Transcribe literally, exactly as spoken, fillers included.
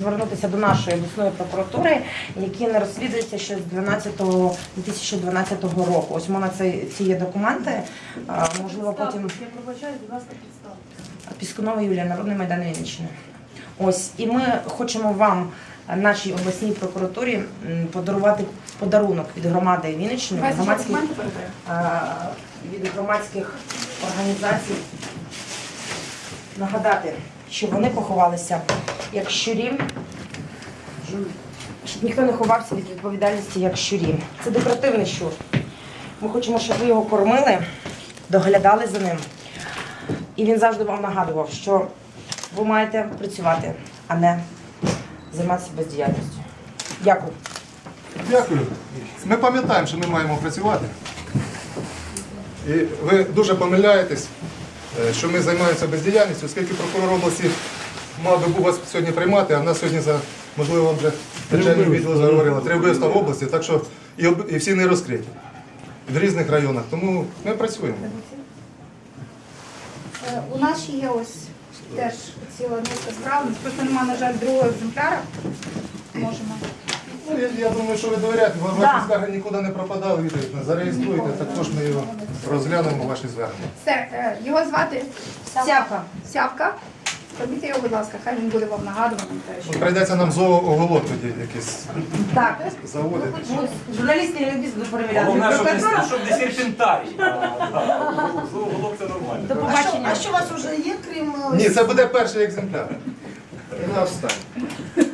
звернутися до нашої обласної прокуратури, які не розслідуються ще з дві тисячі дванадцятого року. Ось у мене це, ці є документи, а, можливо, потім... Я пробачаю, будь ласка, підставте. Піскунова Юлія, Народний майдан Вінниччини. Ось, і ми хочемо вам, нашій обласній прокуратурі, м, подарувати подарунок від громади Вінниччини, від громадських, а, від громадських організацій. Нагадати, що вони поховалися як щурі, щоб ніхто не ховався від відповідальності як щурі. Це декоративний щур. Ми хочемо, щоб ви його кормили, доглядали за ним. І він завжди вам нагадував, що ви маєте працювати, а не займатися бездіяльністю. Дякую. Дякую. Ми пам'ятаємо, що ми маємо працювати. І ви дуже помиляєтесь, що ми займаємося бездіяльністю, оскільки прокурор області мав би був вас сьогодні приймати, а в нас сьогодні, за, можливо, вам вже начальник відділу заговорила, три вбивства в області, так що і, об- і всі не розкриті в різних районах. Тому ми працюємо. Е, У нас ще є ось теж ціла низка справ. Просто немає, на жаль, другого екземпляра. Можемо. Ну, я, я думаю, що ви довіряєте, бо Да. ваші звернення нікуди не пропадали, відповідно. Зареєструйте, також ми його розглянемо, ваші звернення. Все, е, його звати Сявка. Сявка. Робіть його, будь ласка, хай він буде вам нагадуваним. теж. Ну, прийдеться нам зооголок тоді якийсь Так. заводити. Ну, журналісти не люблять перевіряти. Головне, щоб Прокуратура. не, щоб не серпентарій. Зооголок це нормально. До побачення. А що у вас вже є, крім... е, Ні, це буде перший екземпляр. І на останній.